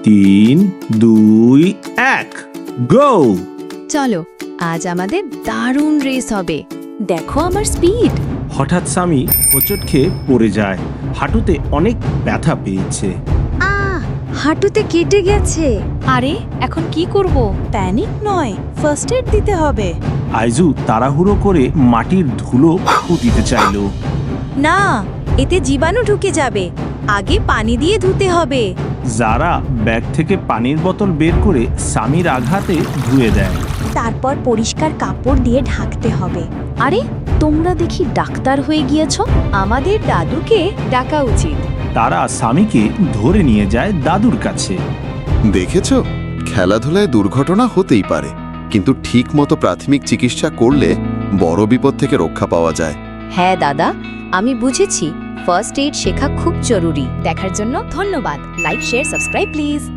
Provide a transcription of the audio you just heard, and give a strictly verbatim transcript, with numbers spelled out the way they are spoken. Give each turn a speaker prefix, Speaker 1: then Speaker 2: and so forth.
Speaker 1: তিন দুই এক গো।
Speaker 2: চলো, আজ আমাদের দারুণ রেস হবে। দেখো আমার স্পিড।
Speaker 1: হঠাৎ সামি হোঁচট খেয়ে পড়ে যায়। হাঁটুতে অনেক ব্যথা পেয়েছে।
Speaker 3: আহ হাঁটুতে কেটে গেছে।
Speaker 2: আরে এখন কি করব?
Speaker 3: প্যানিক নয়, ফার্স্ট এড দিতে হবে।
Speaker 1: আইজু তাড়াহুড়ো করে মাটির ধুলো ফু দিতে চাইল।
Speaker 3: না, এতে জীবাণু ঢুকে যাবে। আগে পানি দিয়ে ধুতে হবে।
Speaker 1: যারা ব্যাগ থেকে পানির বোতল বের করে সামির আঘাতে ধুয়ে দেয়।
Speaker 3: তারপর পরিষ্কার কাপড় দিয়ে ঢাকতে হবে।
Speaker 2: আরে তোমরা দেখি ডাক্তার হয়ে গিয়েছো। আমাদের দাদুকে ডাকা উচিত।
Speaker 1: তারা সামিকে ধরে নিয়ে যায় দাদুর কাছে।
Speaker 4: দেখেছো, খেলাধুলায় দুর্ঘটনা হতেই পারে, কিন্তু ঠিক মতো প্রাথমিক চিকিৎসা করলে বড় বিপদ থেকে রক্ষা পাওয়া যায়।
Speaker 2: হ্যাঁ দাদা, আমি বুঝেছি। ফার্স্ট এইড শেখা খুব জরুরি। দেখার জন্য ধন্যবাদ। Like, share, subscribe please.